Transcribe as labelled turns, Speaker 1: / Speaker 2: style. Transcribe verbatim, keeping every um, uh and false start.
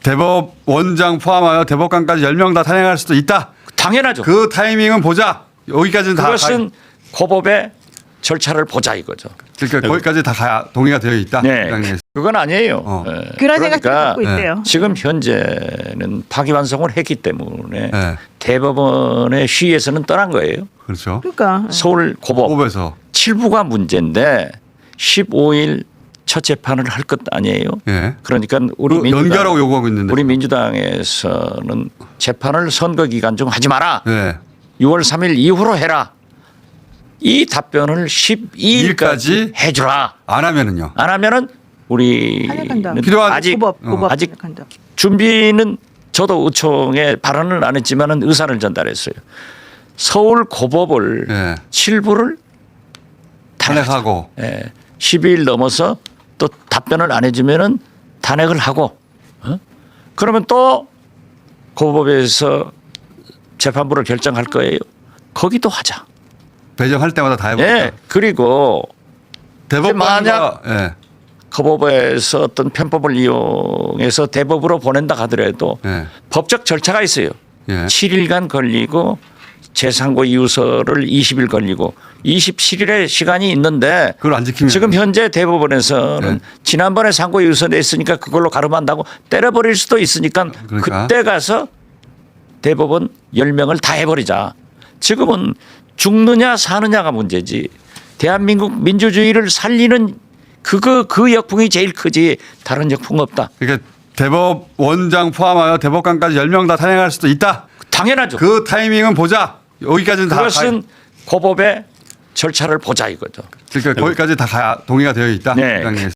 Speaker 1: 대법원장 포함하여 대법관까지 열 명 다 탄핵할 수도 있다.
Speaker 2: 당연하죠.
Speaker 1: 그 타이밍은 보자. 여기까지는 다
Speaker 2: 그것은 고법의 절차를 보자 이거죠.
Speaker 1: 그러니까 거기까지 다 가야 동의가 되어 있다.
Speaker 2: 네,
Speaker 1: 국장님.
Speaker 2: 그건 아니에요.
Speaker 1: 어.
Speaker 2: 예.
Speaker 3: 그런 생각도
Speaker 2: 그러니까
Speaker 3: 갖고 있대요.
Speaker 2: 지금 현재는 파기환송을 했기 때문에
Speaker 1: 네.
Speaker 2: 대법원의 시에서는 떠난 거예요.
Speaker 1: 그렇죠.
Speaker 3: 그러니까
Speaker 2: 서울 고법
Speaker 1: 법에서
Speaker 2: 칠 부가 문제인데 십오 일 첫 재판을 할 것 아니에요.
Speaker 1: 예.
Speaker 2: 그러니까 우리
Speaker 1: 그
Speaker 2: 민주당,
Speaker 1: 연결하고 요구하고 있는데.
Speaker 2: 우리 민주당에서는 재판을 선거 기간 중 하지 마라.
Speaker 1: 네.
Speaker 2: 유월 삼일 이후로 해라. 이 답변을 십이 일까지
Speaker 1: 일까지
Speaker 2: 해주라.
Speaker 1: 안 하면은요.
Speaker 2: 안 하면은 우리는
Speaker 3: 탄핵한다.
Speaker 1: 필요한
Speaker 2: 아직
Speaker 3: 고법
Speaker 1: 어.
Speaker 3: 고법
Speaker 2: 아직
Speaker 3: 탄핵한다.
Speaker 2: 준비는 저도 의총에 발언을 안 했지만은 의사를 전달했어요. 서울 고법을
Speaker 1: 예.
Speaker 2: 칠 부를
Speaker 1: 탄핵하고
Speaker 2: 예. 십이 일 넘어서 또 답변을 안 해주면은 탄핵을 하고 어? 그러면 또 고법에서 재판부를 결정할 거예요. 거기도 하자.
Speaker 1: 배정할 때마다 다 해보자.
Speaker 2: 예. 그리고
Speaker 1: 대법관과
Speaker 2: 만약
Speaker 1: 예.
Speaker 2: 고법에서 어떤 편법을 이용해서 대법으로 보낸다 하더라도
Speaker 1: 예.
Speaker 2: 법적 절차가 있어요.
Speaker 1: 예.
Speaker 2: 칠 일간 걸리고 재상고 이유서를 이십 일 걸리고 이십칠 일의 시간이 있는데
Speaker 1: 그걸 안 지키면
Speaker 2: 지금 현재 대법원에서는
Speaker 1: 네.
Speaker 2: 지난번에 상고 이유서 냈으니까 그걸로 가름한다고 때려버릴 수도 있으니까
Speaker 1: 그러니까.
Speaker 2: 그때 가서 대법원 열 명을 다 해버리자. 지금은 죽느냐 사느냐가 문제지. 대한민국 민주주의를 살리는 그거 그 역풍이 제일 크지 다른 역풍 없다.
Speaker 1: 그러니까 대법원장 포함하여 대법관까지 열 명 다 탄핵할 수도 있다.
Speaker 2: 당연하죠.
Speaker 1: 그 타이밍은 보자. 여기까지는 다
Speaker 2: 그것은
Speaker 1: 가,
Speaker 2: 고법의 절차를 보자 이거죠.
Speaker 1: 그러니까 거기까지 다 가야 동의가 되어 있다.
Speaker 2: 네.
Speaker 1: 국장님.